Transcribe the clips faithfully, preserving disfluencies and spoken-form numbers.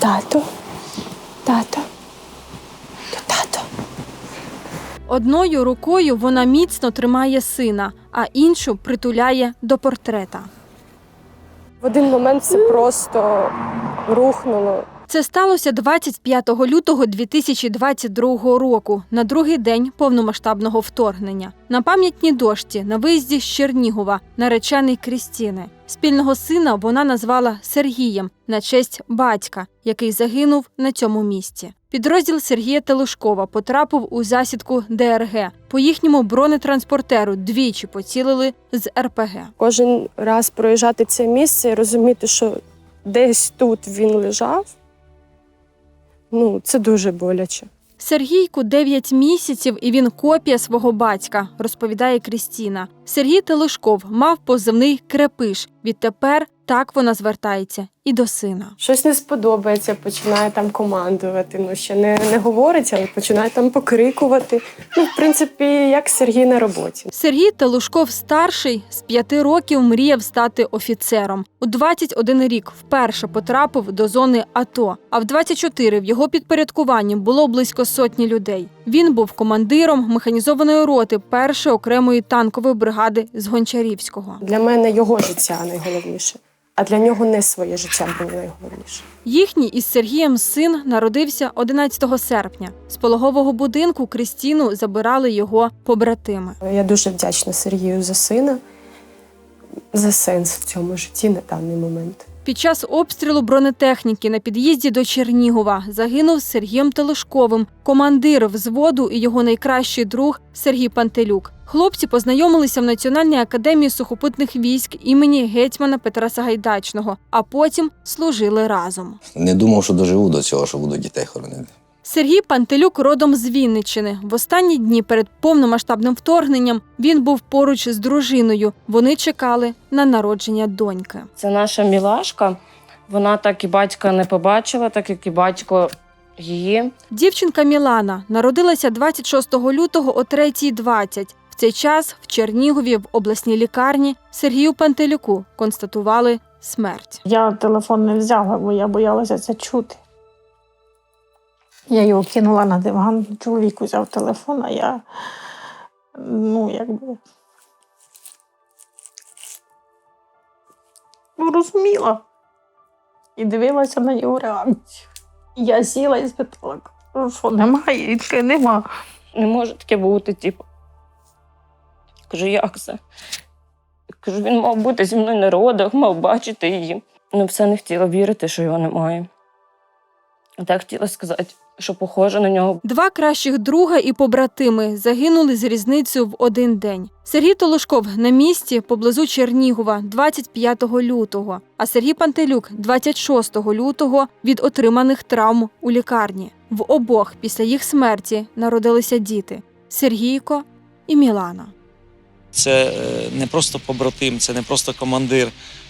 Тато, тато, тато. Одною рукою вона міцно тримає сина, а іншу притуляє до портрета. В один момент все просто рухнуло. Це сталося двадцять п'ятого лютого дві тисячі двадцять другого року, на другий день повномасштабного вторгнення. На пам'ятній дошці на виїзді з Чернігова наречений Крістіни. Спільного сина вона назвала Сергієм на честь батька, який загинув на цьому місці. Підрозділ Сергія Телушкова потрапив у засідку де ер ге. По їхньому бронетранспортеру двічі поцілили з ер пе ге. Кожен раз проїжджати це місце і розуміти, що десь тут він лежав, ну, це дуже боляче. Сергійку дев'ять місяців, і він копія свого батька, розповідає Крістіна. Сергій Телушков мав позивний «Крепиш». Відтепер так вона звертається і до сина. Щось не сподобається, починає там командувати. Ну, ще не, не говорить, але починає там покрикувати. Ну, в принципі, як Сергій на роботі. Сергій Телушков-старший з п'яти років мріяв стати офіцером. У двадцять один рік вперше потрапив до зони АТО, а в двадцять чотири в його підпорядкуванні було близько сотні людей. Він був командиром механізованої роти першої окремої танкової бригади з Гончарівського. Для мене його життя найголовніше, а для нього не своє життя було найголовніше. Їхній із Сергієм син народився одинадцятого серпня. З пологового будинку Крістіну забирали його побратими. Я дуже вдячна Сергію за сина, за сенс в цьому житті на даний момент. Під час обстрілу бронетехніки на під'їзді до Чернігова загинув Сергієм Телушковим, командир взводу і його найкращий друг Сергій Пантелюк. Хлопці познайомилися в Національній академії сухопутних військ імені гетьмана Петра Сагайдачного, а потім служили разом. Не думав, що доживу до цього, що буду дітей хоронити. Сергій Пантелюк родом з Вінниччини. В останні дні перед повномасштабним вторгненням він був поруч з дружиною. Вони чекали на народження доньки. Це наша мілашка. Вона так і батька не побачила, так як і батько її. Дівчинка Мілана народилася двадцять шостого лютого о третій двадцять. В цей час в Чернігові в обласній лікарні Сергію Пантелюку констатували смерть. Я телефон не взяла, бо я боялася це чути. Я його кинула на диван, чоловік взяв телефон, а я, ну, якби, ну, розуміла і дивилася на його реакцію. Я сіла і спитала, що немає, і таке нема. Не може таке бути, типу. Кажу, як це? Кажу, він мав бути зі мною на родах, мав бачити її. Ну, все не хотіла вірити, що його немає. Так хотіла сказати, що похоже на нього. Два кращих друга і побратими загинули з різницею в один день. Сергій Телушков на місці поблизу Чернігова двадцять п'ятого лютого, а Сергій Пантелюк двадцять шостого лютого від отриманих травм у лікарні. В обох після їх смерті народилися діти – Сергійко і Мілана. Це не просто побратим, це не просто командир,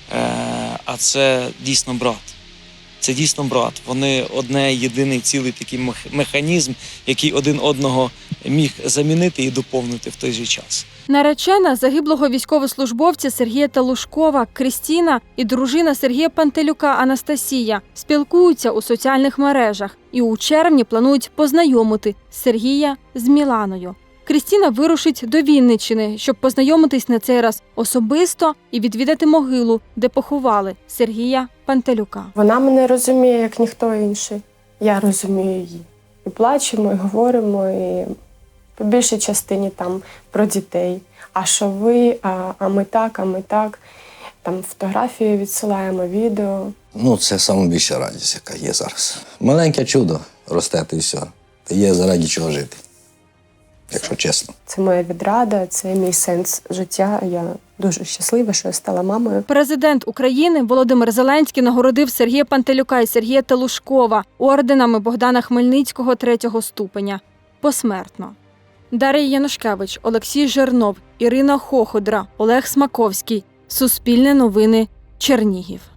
а це дійсно брат. Це дійсно брат. Вони одне, єдиний цілий такий механізм, який один одного міг замінити і доповнити в той же час. Наречена загиблого військовослужбовця Сергія Телушкова Крістіна і дружина Сергія Пантелюка Анастасія спілкуються у соціальних мережах і у червні планують познайомити Сергія з Міланою. Крістіна вирушить до Вінниччини, щоб познайомитись на цей раз особисто і відвідати могилу, де поховали Сергія Пантелюка. Вона мене розуміє, як ніхто інший. Я розумію її. І плачемо, і говоримо, і по більшій частині там про дітей. А що ви, а, а ми так, а ми так. Там фотографії відсилаємо, відео. Ну, це найбільша радість, яка є зараз. Маленьке чудо росте, і все. Та є заради чого жити. Якщо чесно. Це моя відрада, це мій сенс життя. Я дуже щаслива, що я стала мамою. Президент України Володимир Зеленський нагородив Сергія Пантелюка і Сергія Телушкова орденами Богдана Хмельницького третього ступеня. Посмертно. Дар'я Янушкевич, Олексій Жернов, Ірина Хоходра, Олег Смаковський. Суспільне новини. Чернігів.